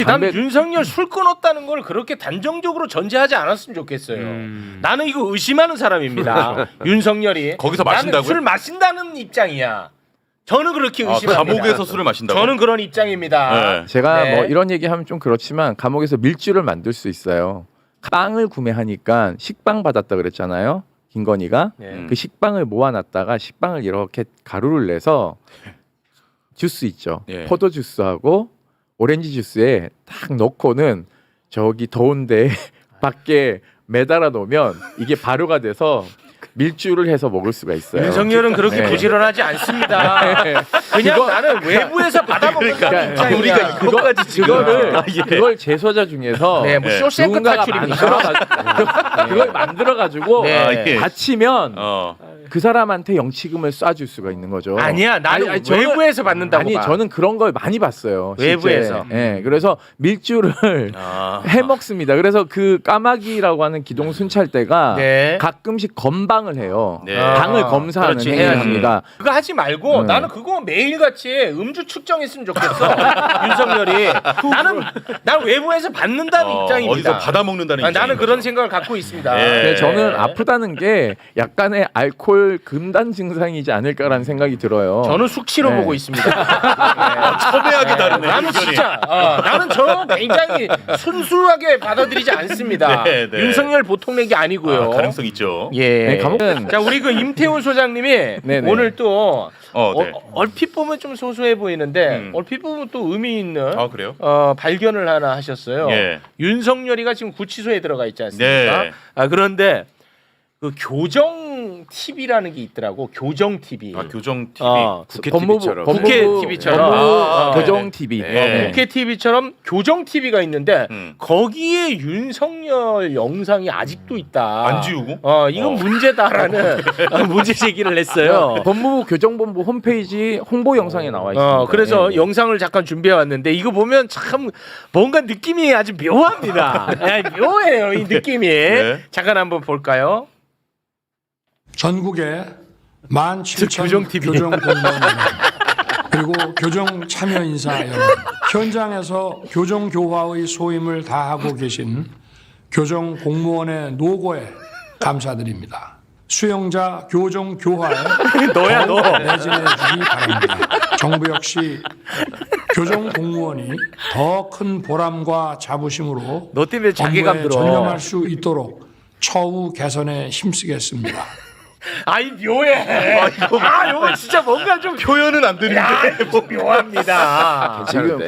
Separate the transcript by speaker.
Speaker 1: 난 윤석열 술 끊었다는 걸 그렇게 단정적으로 전제하지 않았으면 좋겠어요. 나는 이거 의심하는 사람입니다. 윤석열이
Speaker 2: 거기서
Speaker 1: 나는
Speaker 2: 마신다고요?
Speaker 1: 술 마신다는 입장이야. 저는 그렇게 의심합니다.
Speaker 2: 감옥에서 술을 마신다고?
Speaker 1: 저는 그런 입장입니다.
Speaker 2: 네.
Speaker 3: 제가
Speaker 1: 네.
Speaker 3: 뭐 이런 얘기하면 좀 그렇지만 감옥에서 밀주를 만들 수 있어요. 빵을 구매하니까 식빵 받았다 그랬잖아요. 김건희가
Speaker 1: 네.
Speaker 3: 그 식빵을 모아놨다가 식빵을 이렇게 가루를 내서 주스 있죠.
Speaker 2: 예.
Speaker 3: 포도 주스하고 오렌지 주스에 딱 넣고는 저기 더운데 밖에 매달아 놓으면 이게 발효가 돼서 밀주를 해서 먹을 수가 있어요.
Speaker 1: 윤석열은 그렇게
Speaker 3: 네.
Speaker 1: 부지런하지 않습니다.
Speaker 3: 네.
Speaker 1: 그냥 나는 외부에서 받아먹는다는 입장이야.
Speaker 2: 우리가 그것까지 지금
Speaker 3: 그걸 제소자 중에서
Speaker 1: 네, 뭐 쇼생크
Speaker 3: 누군가가
Speaker 1: 탈출입니까?
Speaker 3: 그걸 만들어가지고
Speaker 1: 네.
Speaker 2: 아, 이게.
Speaker 3: 다치면
Speaker 2: 어.
Speaker 3: 그 사람한테 영치금을 쏴줄 수가 있는 거죠.
Speaker 1: 아니야, 나는
Speaker 3: 아니, 저는-
Speaker 1: 외부에서 받는다고
Speaker 3: 아니
Speaker 1: 봐.
Speaker 3: 저는 그런 걸 많이 봤어요. 실제.
Speaker 1: 외부에서.
Speaker 3: 예, 그래서 밀주를
Speaker 2: 아.
Speaker 3: 해 먹습니다. 그래서 그 까마귀라고 하는 기동 순찰대가
Speaker 1: 네.
Speaker 3: 가끔씩 검방을 해요.
Speaker 2: 네.
Speaker 3: 당을 검사하는
Speaker 1: 그렇지,
Speaker 3: 행위를
Speaker 1: 해야지.
Speaker 3: 합니다.
Speaker 1: 그거 하지 말고
Speaker 3: 네.
Speaker 1: 나는 그거 매일같이 음주 측정했으면 좋겠어. 윤석열이. 난 외부에서 받는다는 입장입니다.
Speaker 2: 어디서 받아 먹는다는 입장.
Speaker 1: 나는 그런 생각을 갖고 있습니다.
Speaker 2: 예.
Speaker 3: 네, 저는 아프다는 게 약간의 알코올 금단 증상이지 않을까라는 생각이 들어요.
Speaker 1: 저는 숙취로
Speaker 3: 네.
Speaker 1: 보고 있습니다.
Speaker 2: 첨예하게 다르네.
Speaker 1: 나는
Speaker 2: 의견이.
Speaker 1: 진짜 나는 저 굉장히 순수하게 받아들이지 않습니다.
Speaker 2: 네, 네.
Speaker 1: 윤석열 보통 내기 아니고요.
Speaker 2: 가능성 있죠.
Speaker 1: 예.
Speaker 3: 네, 감옥은
Speaker 1: 자 우리 그 임태훈 소장님이
Speaker 3: 네네.
Speaker 1: 오늘 또
Speaker 2: 네.
Speaker 1: 얼핏 보면 좀 소소해 보이는데 얼핏 보면 또 의미 있는
Speaker 2: 아 그래요?
Speaker 1: 발견을 하나 하셨어요.
Speaker 2: 예.
Speaker 1: 윤석열이가 지금 구치소에 들어가 있지 않습니까?
Speaker 2: 네.
Speaker 1: 그런데 그 교정 TV라는 게 있더라고. 교정 TV.
Speaker 2: 아 교정 TV.
Speaker 1: 국회
Speaker 3: 법무부
Speaker 1: TV처럼. 국회 TV처럼.
Speaker 3: 교정
Speaker 2: 네.
Speaker 3: TV.
Speaker 2: 네.
Speaker 1: 국회 TV처럼 교정 TV가 있는데 거기에 윤석열 영상이 아직도 있다.
Speaker 2: 안 지우고?
Speaker 1: 이건 문제다라는 문제 제기를 했어요.
Speaker 3: 법무부 교정본부 홈페이지 홍보 영상에 나와 있습니다.
Speaker 1: 그래서
Speaker 3: 예, 예.
Speaker 1: 영상을 잠깐 준비해 왔는데 이거 보면 참 뭔가 느낌이 아주 묘합니다. 묘해요, 이 느낌이.
Speaker 2: 네.
Speaker 1: 잠깐 한번 볼까요?
Speaker 4: 전국에 17,000
Speaker 1: 교정 TV.
Speaker 4: 교정 공무원 그리고 교정 참여 인사 여러분, 현장에서 교정 교화의 소임을 다하고 계신 교정 공무원의 노고에 감사드립니다. 수용자 교정 교화에
Speaker 1: 너야 너.
Speaker 4: 매진해 주기 바랍니다. 정부 역시 교정 공무원이 더 큰 보람과 자부심으로
Speaker 1: 너 때문에 자괴감
Speaker 4: 업무에
Speaker 1: 들어.
Speaker 4: 전념할 수 있도록 처우 개선에 힘쓰겠습니다.
Speaker 1: 아이 묘해. 이거 진짜 뭔가 좀
Speaker 2: 표현은 안 되는데.
Speaker 1: 묘합니다.
Speaker 3: 지금